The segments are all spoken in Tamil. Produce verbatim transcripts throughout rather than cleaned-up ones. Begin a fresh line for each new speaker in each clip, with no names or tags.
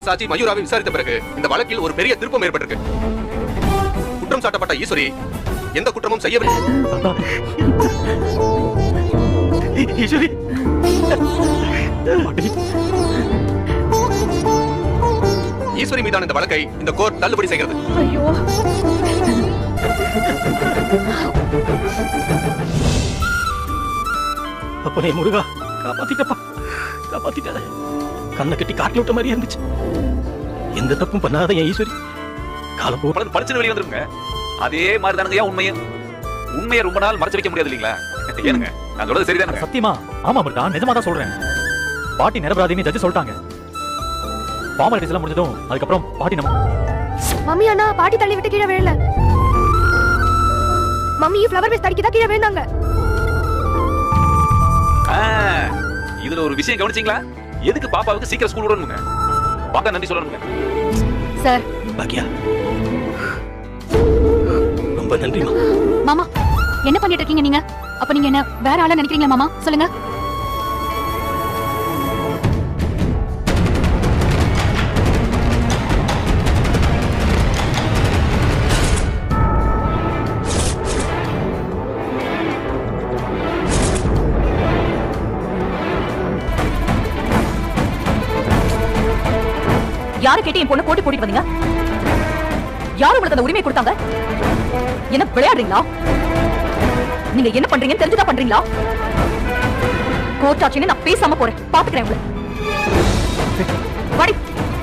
சாட்சி மயூராவை விசாரித்த பிறகு இந்த வழக்கில் ஒரு பெரிய திருப்பம் ஏற்பட்டிருக்கு. குற்றம் சாட்டப்பட்ட ஈஸ்வரி எந்த குற்றமும் செய்யவில்லை. ஈஸ்வரி ஈஸ்வரி மீதான இந்த வழக்கை இந்த கோர்ட் தள்ளுபடி செய்கிறது.
ஐயோ,
அப்பனே முருகா, காப்பாத்திட்டப்பா, காப்பாத்திட்டாத. கண்ணை கட்டி காட்டி விட்ட மாதிரி இருந்துச்சு. எந்த தப்பும் பண்ணாத என் ஈஸ்வரி காலம் போ
படிச்சு வெளியே வந்துருங்க. அதே மாதிரி தானுங்க உண்மையை உண்மையை ரொம்ப நாள் மறைச்சு வைக்க முடியாது இல்லீங்களா? ஏனுங்க நான் சொல்றது சரிதானே?
சத்தியமா ஆமா மிருகா, நிஜமா தான் சொல்றேன். பாட்டி நிரபராதின்னு ஜட்ஜ் சொல்லிட்டாங்க. ஃபார்மாலிட்டிஸ் எல்லாம் முடிஞ்சதும் அதுக்கப்புறம் பாட்டி நம்ம
மம்மி அண்ணா பாட்டி தள்ளி விட்டு கீழே விழல. மம்மி ஃப்ளவர் வேஸ்ட் அடிக்கதா கீழே விழுந்தாங்க.
இதுல ஒரு விஷயம் கவனிச்சீங்களா? எதுக்கு பாப்பாவுக்கு சீக்கிரம் ஸ்கூல் விடணுங்க? பாப்பா நன்றி சொல்லணுங்க.
சார்
பாக்கியா ரொம்ப நன்றி
மாமா. என்ன பண்ணிட்டு இருக்கீங்க நீங்க? அப்ப நீங்க என்ன வேற ஆளா நினைக்கிறீங்களா மாமா? சொல்லுங்க.
யாரை கேட்டு என் பொண்ணு போட்டு போட்டு வந்தீங்க? யாரு உங்களுக்கு அந்த உரிமை கொடுத்தாங்க? என்ன விளையாடுறீங்களா? நீங்க என்ன பண்றீங்கன்னு தெரிஞ்சுதான் பண்றீங்களா? கோர்ட் ஆச்சுன்னு நான் பேசாம போறேன். பாத்துக்கிறேன் உங்களை. வாடி.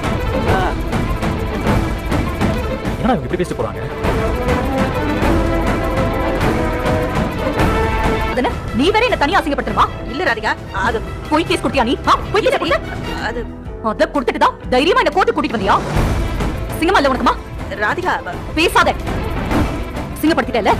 ஏன்னா இப்படி பேசிட்டு போறாங்க?
நீ வேற என்ன தனியா அசிங்கப்படுத்துறமா? இல்ல ராதிகா, அது போய் கேஸ் கொடுத்தியா நீ? போய் கேஸ் கொடுத்த? அது அத கொடுத்துட்டு தான் தைரியமா என்ன கோர்ட்டு கூட்டிட்டு வந்தியா? சிங்கமா இல்ல உனக்குமா? ராதிகா பேசாத. சிங்கப்படுத்திட்டல.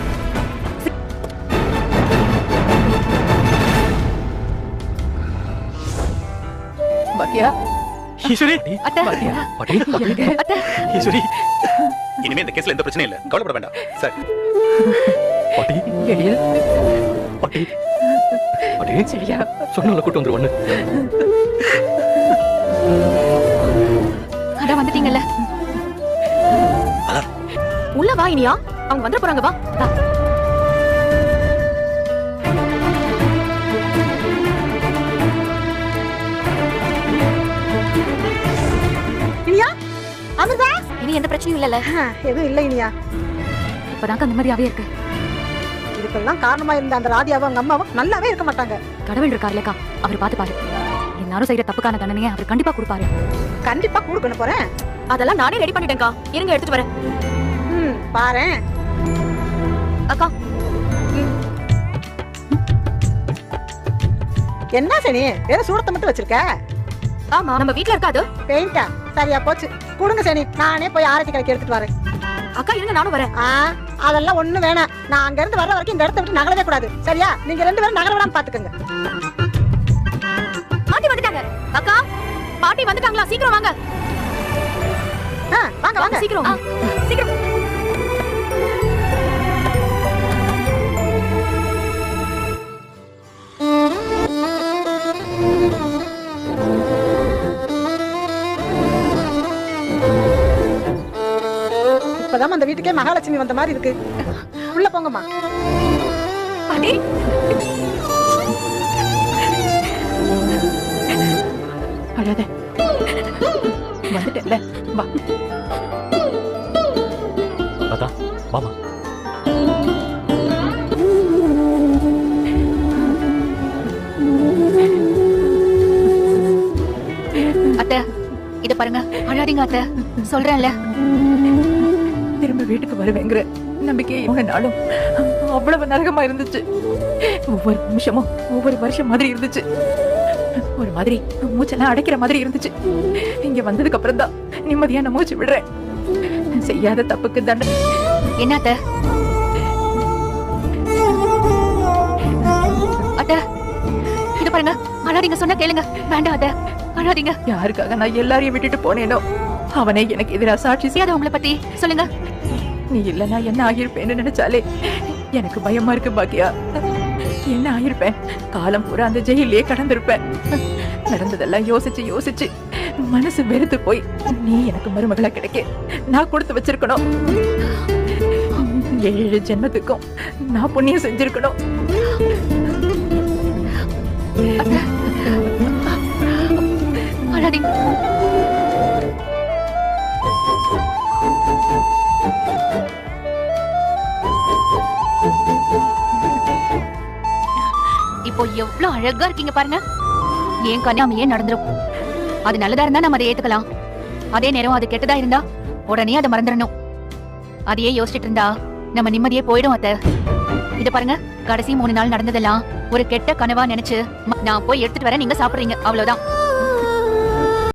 பாக்கியா ஈஸ்வரி
அத்தை
பாட்டி
அத்தை
ஈஸ்வரி
இனிமே இந்த கேஸ்ல எந்த பிரச்சனையும் இல்ல, கவலைப்பட வேண்டாம் சார்.
பாட்டி
எழில்
பாட்டி பாட்டி
சரியா
சொன்னல கூட்டி வந்து ஒண்ணு.
அட வந்துட்டீங்கல்ல. உள்ள வா இனியா, அவங்க வந்துட போறாங்க. வா வா.
இனியா, அமுதா,
இனி எந்த பிரச்சனையும் இல்லல.
எதுவும் இல்ல இனியா.
இப்பதான் நிம்மதியாவே இருக்கு.
இதுக்கெல்லாம் காரணமா இருந்த அந்த ராதியாவும் அவங்க அம்மாவும் நல்லாவே இருக்க மாட்டாங்க.
கடவுள் இருக்காருலக்கா, அவர் பாத்து பாரு. எல்லாரும் செய்யற தப்புக்கான தண்டனையை அவர் கண்டிப்பா கொடுப்பாரு.
கண்டிப்பா கொடுக்கணும் போறேன்.
அதெல்லாம் நானே ரெடி பண்ணிட்டேன்க்கா. இருங்க எடுத்துட்டு வரேன்.
ம் பாரேன்.
அக்கா
என்ன சனி வேற சூடத்தை மட்டும் வச்சிருக்க?
ஆமா, நம்ம வீட்ல இருக்காது.
பெயிண்டா? சரியா போச்சு. கொடுங்க சனி, நானே போய் ஆரத்தி கடைக்கு எடுத்துட்டு வரேன்.
அக்கா இருங்க, நானும் வரேன்.
ஆ அதெல்லாம் ஒண்ணு வேணாம். நான் அங்க இருந்து வர வரைக்கும் இந்த இடத்த விட்டு நகரவே கூடாது. சரியா? நீங்க ரெண்டு பேரும் நகர விடாம பாத்துக்கங்க.
பாட்டி வந்துட்டாங்க. அக்கா பாட்டி வந்துட்டாங்களா? சீக்கிரம் வாங்க.
வாங்க வாங்க
சீக்கிரம் சீக்கிரம்.
இப்பதான் அந்த வீட்டுக்கே மகாலட்சுமி வந்த மாதிரி இருக்கு. உள்ள போங்கம்மா.
பாட்டி
அழாத. வந்துட்டல. வா.
அத்தா வாமா.
அத்தை இத பாருங்க. அழாதீங்க அத்தை, சொல்றேன்ல.
திரும்ப வீட்டுக்கு வருவேங்கிற நம்பிக்கை இவ்வளவு நாளும் அவ்வளவு நரகமா இருந்துச்சு. ஒவ்வொரு நிமிஷமும் ஒவ்வொரு வருஷம் மாதிரி இருந்துச்சு. ஒரு மாதிரி மூச்செல்லாம் அடைக்கிற மாதிரி இருந்துச்சு. இங்க வந்ததுக்கு அப்புறம் தான் நிம்மதியா நான் மூச்சு விடுறேன். செய்யாத தப்புக்கு தண்டனை.
என்ன அத்தை? அத்தை இத பாருங்க. அழாதீங்க, சொன்னா கேளுங்க. வேண்டாம் அத்தை, அழாதீங்க.
யாருக்காக நான் எல்லாரையும் விட்டுட்டு போனேனோ அவனே எனக்கு எதிராக சாட்சி செய்யாத.
உங்களை பத்தி சொல்லுங்க.
நீ இல்லனா என்ன ஆகியிருப்பேன்னு நினைச்சாலே எனக்கு பயமா இருக்கு பாக்கியா. என்ன ஆகியிருப்பேன்? காலம் பூரா அந்த ஜெயிலே கடந்திருப்பேன். நடந்ததெல்லாம் யோசிச்சு யோசிச்சு மனசு வெறுத்து போய் நீ எனக்கு மருமகளா கிடைக்க நான் கொடுத்து வச்சிருக்கணும். ஏழு ஜென்மத்துக்கும் நான் புண்ணியம் செஞ்சிருக்கணும்.
அழாதீங்க. இப்போ எவ்வளவு அழகா இருக்கீங்க பாருங்க. ஏன் கன்னியாமையே நடந்துரும். அது நல்லதா இருந்தா நம்ம அதை ஏத்துக்கலாம். அதே நேரம் அது கெட்டதா இருந்தா உடனே அதை மறந்துடணும். அதையே யோசிச்சுட்டு இருந்தா நம்ம நிம்மதியே போயிடும். அத்தை இத பாருங்க, கடைசி மூணு நாள் நடந்ததெல்லாம் ஒரு கெட்ட கனவா நினைச்சு நான் போய் எடுத்துட்டு வரேன், நீங்க சாப்பிடுறீங்க, அவ்வளவுதான்.